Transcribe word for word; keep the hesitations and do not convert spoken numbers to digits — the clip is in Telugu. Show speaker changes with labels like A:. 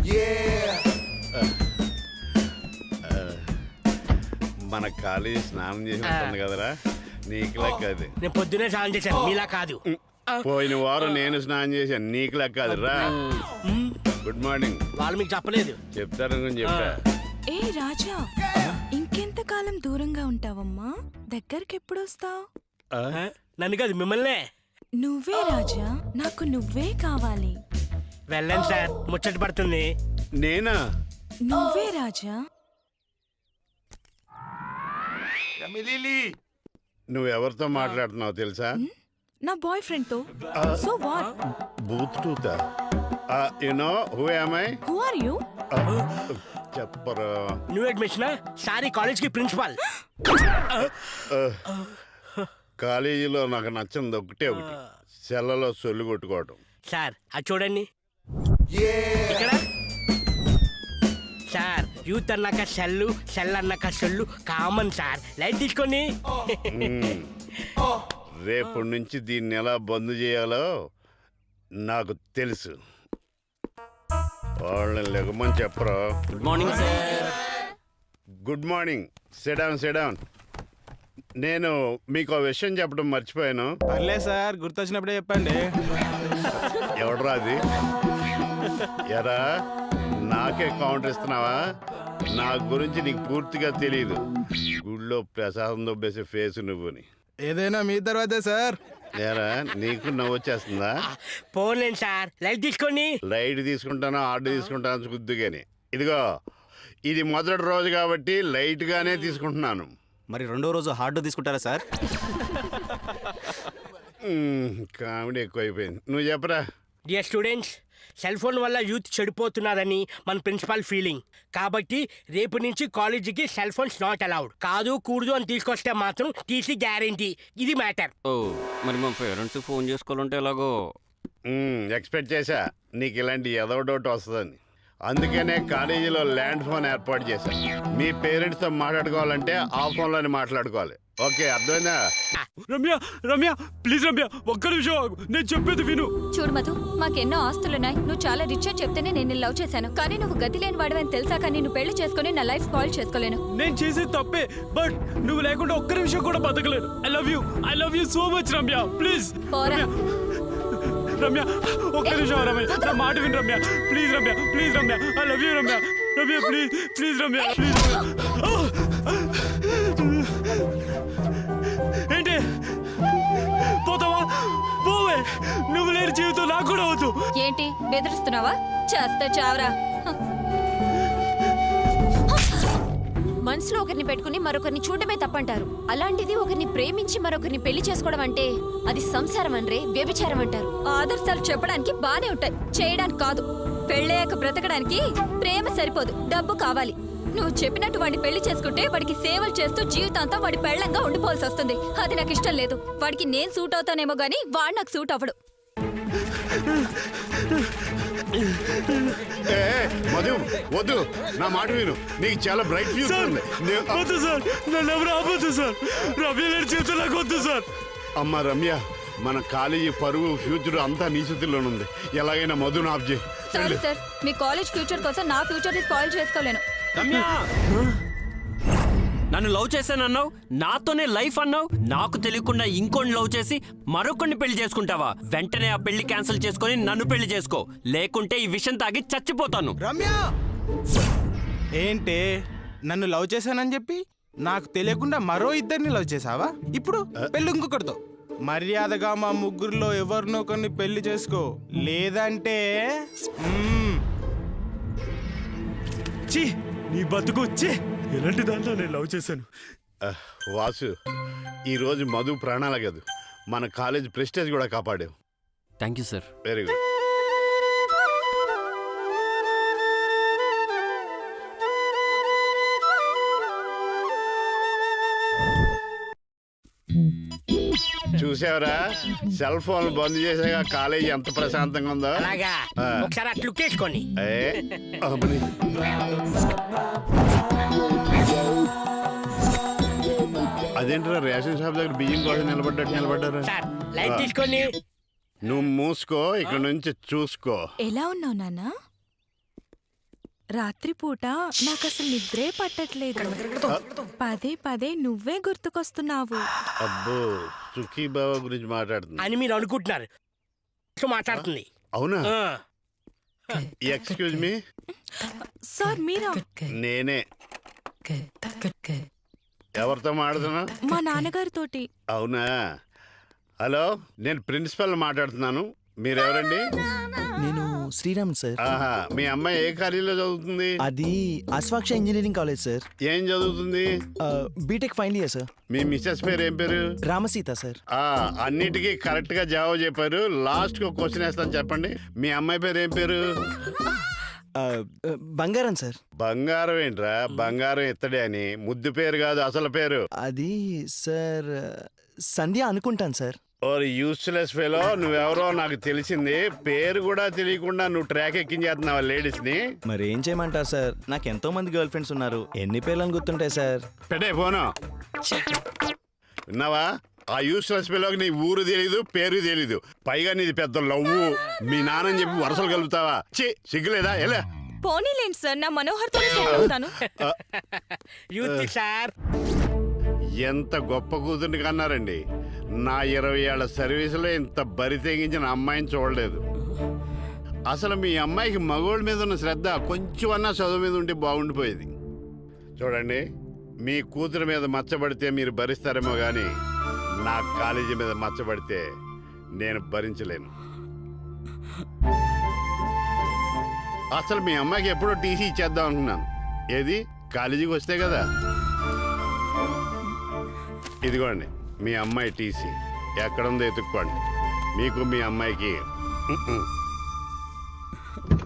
A: మన కాలేజీ స్నానం చేసి ఉంటుంది కదరా, నీకులా కాదు.
B: నేను పొద్దునే స్నానం చేశాను, మీలా కాదు.
A: పోయిన వారం నేను స్నానం చేశాను, నీకులా కాదు రా. Good morning.
B: వాళ్ళు మీకు చెప్పలేదు.
A: చెప్తారని చెప్పా.
C: ఏ రాజా, ఇంకెంత కాలం దూరంగా ఉంటావమ్మా? దగ్గరికి ఎప్పుడు వస్తావు?
B: నన్ను కాదు, మిమ్మల్నే.
C: నువ్వే రాజా, నాకు నువ్వే కావాలి.
B: వెళ్ళండి సార్, ముచ్చట పడుతుంది.
A: నేనా?
C: నువ్వే రాజా.
A: నువ్వెవరితో మాట్లాడుతున్నావు తెలుసా?
C: నా బాయ్ ఫ్రెండ్ తో. So what?
A: బూత్ టూతా. You know who am I?
C: Who are you?
A: చెప్పరా.
B: న్యూ అడ్మిషన్ సారీ, కాలేజ్ కి ప్రిన్సిపాల్.
A: కాలేజీలో నాకు నచ్చింది ఒకటే ఒకటి, సెల్లలో సొల్లు కొట్టుకోవడం.
B: సార్ అది చూడండి ఇక్కడ. సార్ యూత్ అన్నాక సెల్లు, సెల్ అన్నాక సొల్లు కామన్ సార్. లైట్ తీసుకోండి.
A: రేపటి నుంచి దీన్ని ఎలా బంద్ చేయాలో నాకు తెలుసు. వాళ్ళని లెగమని చెప్పరా.
D: Good morning sir.
A: Good morning. Sit down sit down. నేను మీకు ఆ విషయం చెప్పడం మర్చిపోయాను.
E: పర్లే సార్, గుర్తొచ్చినప్పుడే చెప్పండి.
A: ఎవడరా అది? ఎరా నాకే కౌంటర్ ఇస్తున్నావా? నా గురించి నీకు పూర్తిగా తెలియదు. గుళ్ళో ప్రసాదం దొబ్బేసే ఫేస్ నువ్వుని.
E: ఏదైనా మీ తర్వాతే సార్.
A: ఏరా నీకు నవ్వు వచ్చేస్తుందా?
B: పోలేండి సార్, లైట్ తీసుకోండి.
A: లైట్ తీసుకుంటానో ఆర్డర్ తీసుకుంటానో చూద్దు కానీ, ఇదిగో ఇది మొదటి రోజు కాబట్టి లైట్ గానే తీసుకుంటున్నాను.
D: మరి రెండో రోజు హార్డ్ తీసుకుంటారా సార్?
A: కామెడీ ఎక్కువైపోయింది. నువ్వు చెప్పరా.
B: డియర్ స్టూడెంట్స్, సెల్ ఫోన్ వల్ల యూత్ చెడిపోతున్నారని మన ప్రిన్సిపాల్ ఫీలింగ్. కాబట్టి రేపు నుంచి కాలేజీకి సెల్ ఫోన్స్ నాట్ అలౌడ్. కాదు కూడదు అని తీసుకొస్తే మాత్రం టీసీ గ్యారెంటీ. ఇది మ్యాటర్.
D: ఓ మరి మా పేరెంట్స్ ఫోన్ చేసుకోవాలంటే ఎలాగో
A: ఎక్స్పెక్ట్ చేశా నీకు ఇలాంటి ఏదో డౌట్ వస్తుందని. అందుకనే కాలేజీలో ల్యాండ్ ఫోన్ ఏర్పాటు చేశాను. మీ పేరెంట్స్తో మాట్లాడుకోవాలంటే ఆ ఫోన్లోనే మాట్లాడుకోవాలి. ఓకే, అర్థమైందా?
F: రమ్య రమ్య ప్లీజ్ రమ్య, ఒక్క నిమిషం ఆగు, నేను చెప్పేది విను.
G: చూడు మధు, మాకెన్నో ఆస్తులున్నాయి. నువ్వు చాలా రిచ్ అని చెప్తేనే నేను లవ్ చేశాను. కానీ నువ్వు గతి లేని వాడవని తెలుసా? కానీ నువ్వు పెళ్లి చేసుకుని నా లైఫ్ కాల్ చేసుకోలేను.
F: నేను చేసేది తప్పే, బట్ నువ్వు లేకుండా ఒక్క నిమిషం కూడా బతకలేను. I love you, I love you so much Ramya, please.
G: పోరా.
F: రమ్య ఒక్క నిమిషం రమ్య, నా మాట విను Ramya, please Ramya, please Ramya, I love you Ramya, Ramya please, please Ramya, please. ఏంటి పోతావా? పోవే, నువ్వు లేని జీవితం నాకు కూడా వద్దు.
G: ఏంటి బెదిరిస్తున్నావా? చేస్తా చావరా. మనసులో ఒకరిని పెట్టుకుని మరొకరిని చూడటమే తప్పంటారు. అలాంటిది ఒకరిని ప్రేమించి మరొకరిని పెళ్లి చేసుకోవడం అంటే అది సంసారం అనరే, వ్యభిచారం అంటారు. ఆదర్శాలు చెప్పడానికి బానే ఉంటాయి, చేయడానికి కాదు. పెళ్ళయ్యాక బ్రతకడానికి ప్రేమ సరిపోదు, డబ్బు కావాలి. నువ్వు చెప్పినట్టు వాడిని పెళ్లి చేసుకుంటే వాడికి సేవలు చేస్తూ జీవితాంతం వాడి పెళ్ళంగా ఉండిపోవాల్సి వస్తుంది. అది నాకు ఇష్టం లేదు. వాడికి నేను సూట్ అవుతానేమో గానీ వాడు నాకు సూట్ అవ్వడు.
A: మధు వద్దు, నా మాట విను. నీకు చాలా బ్రైట్ ఫ్యూచర్ ఉంది.
F: వద్దు సార్, నన్ను ఎవరు ఆపొద్దు సార్. రమ్య లేని జీవితం నాకు వద్దు సార్.
A: అమ్మ రమ్య, మన కాలేజీ పరువు ఫ్యూచర్ అంతా నీ చేతుల్లోనుంది. ఎలాగైనా మధును ఆఫ్ చేయి.
G: సారీ సార్, మీ కాలేజ్ ఫ్యూచర్ కోసం నా ఫ్యూచర్ ని స్పాయిల్ చేసుకోలేను.
D: రమ్య, నన్ను లవ్ చేశానన్నావు, నాతోనే లైఫ్ అన్నావు. నాకు తెలియకుండా ఇంకోని లవ్ చేసి మరొకరిని పెళ్లి చేసుకుంటావా? వెంటనే ఆ పెళ్లి క్యాన్సిల్ చేసుకొని నన్ను పెళ్లి చేసుకో, లేకుంటే ఈ విషయం తాగి చచ్చిపోతాను.
E: రమ్య, ఏంటే నన్ను లవ్ చేశానని చెప్పి నాకు తెలియకుండా మరో ఇద్దరిని లవ్ చేసావా? ఇప్పుడు పెళ్లి ఇంకొకరితో. మర్యాదగా మా ముగ్గురులో ఎవరినో కొన్ని పెళ్లి చేసుకో, లేదంటే
F: ఛీ, నీ బతుకు వచ్చి ఎలాంటి దాంట్లో నేను లవ్ చేశాను.
A: వాసు, ఈరోజు మధు ప్రాణాల కాదు, మన కాలేజ్ ప్రెస్టేజ్ కూడా కాపాడావు.
D: Thank you sir.
A: Very good. చూసావరా, సెల్ ఫోన్ బంద్ చేసాక కాలేజీ ఎంత ప్రశాంతంగా ఉందో.
B: అలాగా, ఒకసారి అట్లు కేసుకోండి.
A: అదేంటారా రేషన్ షాప్ దగ్గర బియ్యం కోసం నిలబడ్డట్టు నిలబడ్డారు.
B: లైట్ తీసుకోండి.
A: నువ్వు మూసుకో, ఇక్కడ నుంచి చూసుకో.
C: ఎలా ఉన్నావు నాన్న? రాత్రిపూట నాకు అసలు నిద్రే పట్టట్లేదు. పదే పదే నువ్వే గుర్తుకొస్తున్నావు.
A: అబ్బో సుఖీ బావ గురించి మాట్లాడుతుంది
B: అని మీరు అనుకుంటున్నారు. సో మాట్లాడుతుంది.
A: అవునా?
B: ఆ,
A: ఎక్స్క్యూజ్ మీ,
C: సార్ మీరా?
A: నేనే. ఎవరితో మాట్లాడుతున్నా?
C: మా నాన్నగారితోటి.
A: అవునా? హలో, నేను ప్రిన్సిపల్ మాట్లాడుతున్నాను. మీరెవరండి?
H: నేను శ్రీరామ్ సార్.
A: ఆహా, మీ అమ్మాయి ఏ కాలేజీలో చదువుతుంది?
H: అది అశ్వాక్ష ఇంజనీరింగ్ కాలేజ్ సార్.
A: ఏం చదువుతుంది?
H: BTech final year sir.
A: మీ మిస్సెస్ పేరు ఏం పేరు?
H: రామసీత సార్.
A: ఆ అన్నిటికీ కరెక్ట్ గా జవాబు చెప్పారు. లాస్ట్ కి ఒక క్వశ్చన్ వేస్తాను, చెప్పండి. మీ అమ్మాయి పేరు ఏం పేరు?
H: ఆ, బంగారం సార్.
A: బంగారం ఏంట్రా? బంగారం ఎత్తడే అని. ముద్దు పేరు కాదు, అసలు పేరు.
H: అది సార్ సంధ్య అనుకుంటాను సార్.
A: ఓ యూస్లెస్ ఫెలో, నువ్వెవరో నాకు తెలిసింది. పేరు కూడా తెలియకుండా నువ్వు ట్రాక్ ఎక్కించేస్తున్నావా లేడీస్ ని?
H: మరి ఏం చేయమంటారు సార్? నాకు ఎంతో మంది గర్ల్ ఫ్రెండ్స్ ఉన్నారు. ఎన్ని పేర్లను గుర్తుంటాయి సార్?
A: పెట్టే ఫోను. విన్నావా? ఆ యూస్లెస్ ఫెలోకి నీ ఊరు తెలీదు, పేరు తెలీదు. పైగా నీది పెద్ద లవ్వు. మీ నాన్నని చెప్పి వరుసలు కలుపుతావా? చి సిగ్గులేదా? ఎలా?
C: పోనీలేండి సార్, నా మనోహర్తో సెట్ అవుతాను.
B: Youth sir.
A: ఎంత గొప్ప కూతుర్ని కన్నారండి. నా ఇరవై ఏళ్ల సర్వీసులో ఇంత బరి తెగించిన అమ్మాయిని చూడలేదు. అసలు మీ అమ్మాయికి మగోళ్ళ మీద ఉన్న శ్రద్ధ కొంచెం అన్నా చదువు మీద ఉంటే బాగుండిపోయేది. చూడండి, మీ కూతురు మీద మచ్చబడితే మీరు భరిస్తారేమో కానీ నా కాలేజీ మీద మచ్చబడితే నేను భరించలేను. అసలు మీ అమ్మాయికి ఎప్పుడో టీసీ ఇచ్చేద్దాం అనుకున్నాను. ఏది? కాలేజీకి వస్తే కదా. ఇదిగోండి మీ అమ్మాయి టీసీ. ఎక్కడుందో ఎత్తుక్కోండి. మీకు మీ అమ్మాయికి